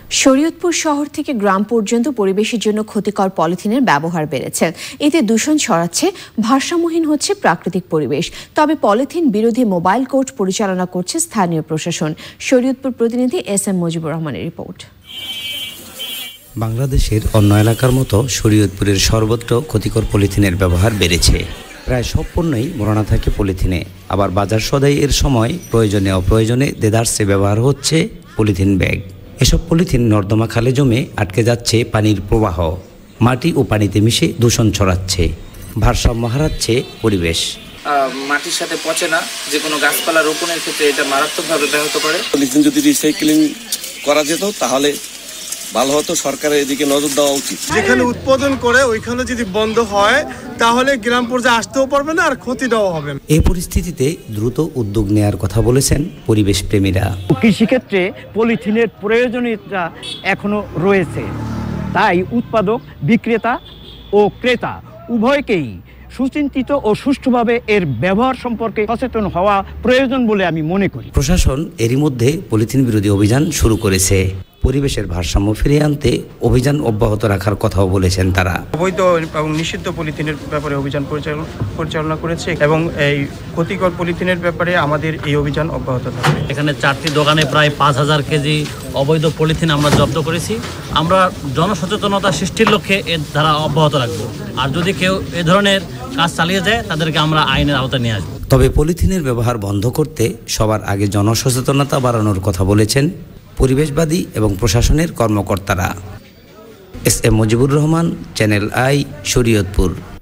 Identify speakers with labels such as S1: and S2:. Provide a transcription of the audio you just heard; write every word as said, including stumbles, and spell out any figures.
S1: শরীয়তপুর শহর থেকে গ্রাম পর্যন্ত পরিবেশের জন্য ক্ষতিকর পলিথিনের ব্যবহার বেড়েছে। এতে দূষণ ছড়াচ্ছে, ভারসাম্যহীন হচ্ছে প্রাকৃতিক পরিবেশ। তবে পলিথিন বিরোধী মোবাইল কোর্ট পরিচালনা করছে স্থানীয় প্রশাসন। শরীয়তপুর প্রতিনিধি এস এম মুজিবুর রহমানের রিপোর্ট।
S2: বাংলাদেশের অন্য এলাকার মতো শরীয়তপুরের সর্বত্র ক্ষতিকর পলিথিনের ব্যবহার বেড়েছে। প্রায় সব পণ্যই মোড়ানো থাকে পলিথিনে। আবার বাজার সদাইয়ের সময় প্রয়োজনে অপ্রয়োজনে দেদারসে ব্যবহার হচ্ছে পলিথিন ব্যাগ। এসব পলিথিন নর্দমা খালে জমে আটকে যাচ্ছে পানির প্রবাহ, মাটি ও পানিতে মিশে দূষণ ছড়াচ্ছে, ভারসাম্য হারাচ্ছে পরিবেশ।
S3: মাটির সাথে পচে না, যে কোনো গাছপালা রোপণের ক্ষেত্রে এটা মারাত্মকভাবে ব্যাহত করে।
S4: পলিথিন যদি রিসাইক্লিং করা যেত তাহলে ভালো হতো, সরকারের এদিকে নজর দেওয়া উচিত।
S5: যেখানে উৎপাদন করে ওইখানে যদি বন্ধ হয় তাহলে গ্রাম পর্যায়ে আসতেও পারবে না, আর ক্ষতিটাও হবে না।
S2: এই পরিস্থিতিতে দ্রুত উদ্যোগ নেওয়ার কথা বলেছেন পরিবেশ প্রেমীরা।
S6: কৃষিক্ষেত্রে পলিথিনের প্রয়োজনীয়তা এখনো রয়েছে, তাই উৎপাদক, বিক্রেতা ও ক্রেতা উভয়কেই সুচিন্তিত ও সুষ্ঠুভাবে এর ব্যবহার সম্পর্কে সচেতন হওয়া প্রয়োজন বলে আমি মনে করি।
S2: প্রশাসন এরই মধ্যে পলিথিন বিরোধী অভিযান শুরু করেছে। পরিবেশের ভারসাম্য ফিরিয়ে আনতে অভিযান অব্যাহত রাখার কথাও বলেছেন তারা।
S7: অবৈধ এবং নিষিদ্ধ পলিথিনের ব্যাপারে অভিযান পরিচালনা করেছে এবং এই ক্ষতিকর পলিথিনের ব্যাপারে আমাদের এই অভিযান অব্যাহত থাকবে।
S8: এখানে চারটি দোকানে প্রায় পাঁচ হাজার কেজি অবৈধ পলিথিন আমরা জব্দ করেছি। আমরা জনসচেতনতা সৃষ্টির লক্ষ্যে এর ধারা অব্যাহত রাখবো। আর যদি কেউ এ ধরনের কাজ চালিয়ে যায় তাদেরকে আমরা আইনের আওতায় নিয়ে আসবো।
S2: তবে পলিথিনের ব্যবহার বন্ধ করতে সবার আগে জনসচেতনতা বাড়ানোর কথা বলেছেন পরিবেশবাদী এবং প্রশাসনের কর্মকর্তারা। S M Mujibur Rahman, channel I, Shariatpur.